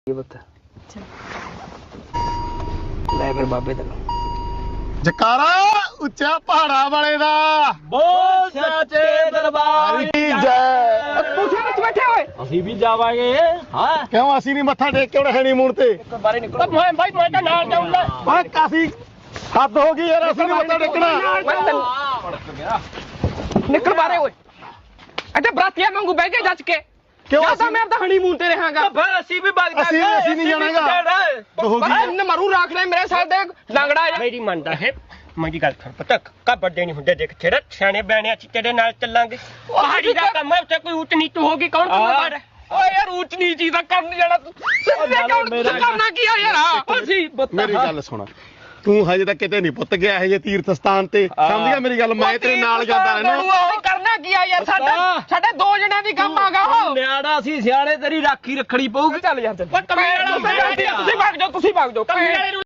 ਲੈ ਫਿਰ ਬਾਬੇ ਤੈਨੂੰ ਜਕਾਰਾ ਉੱਚਾ ਪਹਾੜਾ ਵਾਲੇ ਦਾ ਬੋਲ ਸੱਚੇ ਦਰਬਾਰ ਦੀ ਜੈ। ਤੁਸੀਂ ਵਿੱਚ ਬੈਠੇ ਹੋਏ ਅਸੀਂ ਵੀ ਜਾਵਾਂਗੇ ਹਾਂ ਕਿਉਂ ਅਸੀਂ ਨਹੀਂ ਮੱਥਾ ਟੇਕ ਕੇ ਉਹਨੇ ਹਨੀਮੂਨ ਤੇ ਬਾਰੇ ਨਿਕਲੋ ਮੈਂ ਭਾਈ ਮੈਂ ਤਾਂ ਨਾਲ ਜਾਊਂਗਾ ਓਏ ਕਾਸੀ ਹੱਦ ਹੋ ਗਈ ਯਾਰ ਅਸੀਂ ਨਹੀਂ ਮੱਥਾ ਟੇਕਣਾ ਨਿਕਲ ਬਾਰੇ ਓਏ ਇੱਥੇ ਬਰਾਤੀਆਂ ਵਾਂਗੂ ਬਹਿ ਕੇ ਜੱਜ ਕੇ ਕਿਉਂ ਜਾਂ ਤਾਂ ਮੈਂ ਆਪਦਾ ਹਨੀਮੂਨ ਤੇ ਰਹਾਂਗਾ ਫਿਰ ਅਸੀਂ ਵੀ ਵਗ ਅਸੀਂ ਨਹੀਂ ਜਾਣਾਗਾ ਹੋ ਗਈ ਇਹਨੇ ਮਰੂ ਰੱਖ ਲੈ ਮੇਰੇ ਸਾਹ ਦੇ ਲੰਗੜਾ ਜਾ ਮੇਰੀ ਮੰਨਦਾ ਹੈ ਮੇਰੀ ਗੱਲ ਸੁਣ ਪਤਾ ਕਾ ਵੱਡੇ ਨਹੀਂ ਹੁੰਦੇ ਦੇਖ ਤੇਰੇ ਸਿਆਣੇ ਬਿਆਣੇ ਅਸੀਂ ਤੇਰੇ ਨਾਲ ਚੱਲਾਂਗੇ ਪਹਾੜੀ ਦਾ ਕੰਮ ਹੈ ਉੱਥੇ ਕੋਈ ਊਟ ਨੀਚ ਹੋਗੀ ਕੌਣ ਜ਼ਿੰਮੇਵਾਰ ਹੈ ਓਏ ਯਾਰ ਉੱਚ ਨੀਚੀ ਦਾ ਕਰਨ ਜਾਣਾ ਤੂੰ ਸਿੱਧੇ ਕਰਨਾ ਕੀ ਆ ਯਾਰ ਅਸੀਂ ਮੇਰੀ ਗੱਲ ਸੁਣ ਤੂੰ ਹਜੇ ਤੱਕ ਕਿਤੇ ਨਹੀਂ ਪੁੱਤ ਗਿਆ ਇਹ ਜੇ ਤੀਰਥ ਸਥਾਨ ਤੇ ਸਮਝ ਗਿਆ ਮੇਰੀ ਗੱਲ ਮੈਂ ਤੇਰੇ ਨਾਲ ਜਾਂਦਾ ਰਹਿਣਾ ਉਹ ਕਰਨਾ ਕੀ ਆ ਯਾਰ ਸਾਡੇ ਦੋ ਜਣਿਆਂ ਦੀ ਕੰਮ ਆਗਾ ਉਹ ਨਿਆੜਾ ਸੀ ਸਿਆਣੇ ਤੇਰੀ ਰਾਖੀ ਰੱਖਣੀ ਪਊਗੀ ਚੱਲ ਯਾਰ ਤੁਸੀਂ ਭੱਗ ਜਾਓ ਤੁਸੀਂ ਭੱਗ ਜਾਓ